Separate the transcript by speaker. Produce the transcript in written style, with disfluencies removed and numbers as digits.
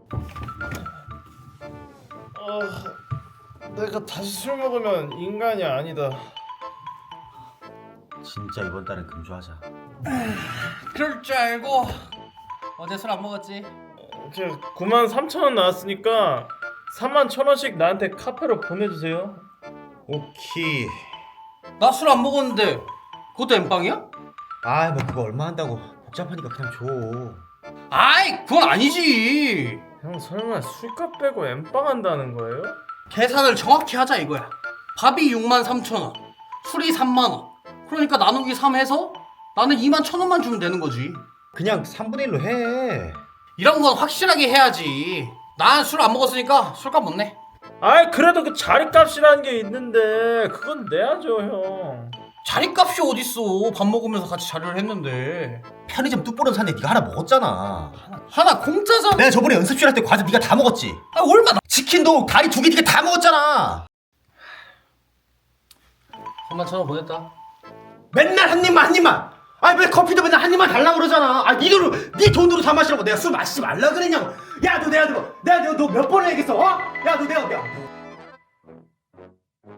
Speaker 1: 내가 다시 술 먹으면 인간이 아니다.
Speaker 2: 진짜 이번 달은 금주하자.
Speaker 3: 그럴 줄 알고 어제 술 안 먹었지?
Speaker 1: 93,000원 나왔으니까 41,000원씩 나한테 카페로 보내주세요.
Speaker 2: 오케이.
Speaker 3: 나 술 안 먹었는데 그것도 엠빵이야?
Speaker 2: 아, 뭐 그거 얼마 한다고. 복잡하니까 그냥 줘.
Speaker 3: 아이 그건 아니지.
Speaker 1: 형 설마 술값 빼고 엠빵 한다는 거예요?
Speaker 3: 계산을 정확히 하자 이거야. 밥이 63,000원, 술이 3만원. 그러니까 나누기 3 해서 나는 21,000원만 주면 되는 거지.
Speaker 2: 그냥 3분의 1로 해.
Speaker 3: 이런 건 확실하게 해야지. 난 술 안 먹었으니까 술값 못 내.
Speaker 1: 아이 그래도 그 자리값이라는 게 있는데 그건 내야죠 형.
Speaker 3: 자리값이 어딨어. 밥 먹으면서 같이 자리를 했는데.
Speaker 2: 편의점 뚝보름 샀는데 네가 하나 먹었잖아.
Speaker 3: 하나 공짜잖아.
Speaker 2: 내가 저번에 연습실 할 때 과자 네가 다 먹었지.
Speaker 3: 아 얼마나.
Speaker 2: 치킨도 다리 2개 네가 다 먹었잖아.
Speaker 3: 31,000원 보냈다.
Speaker 2: 맨날 한 입만 한 입만. 아니 왜 커피도 맨날 한 입만 달라고 그러잖아. 아 네 돈으로 사 마시라고 내가 술 마시지 말라 그랬냐고. 야 너 내가 너 몇 번을 얘기했어. 어? 야 너 내가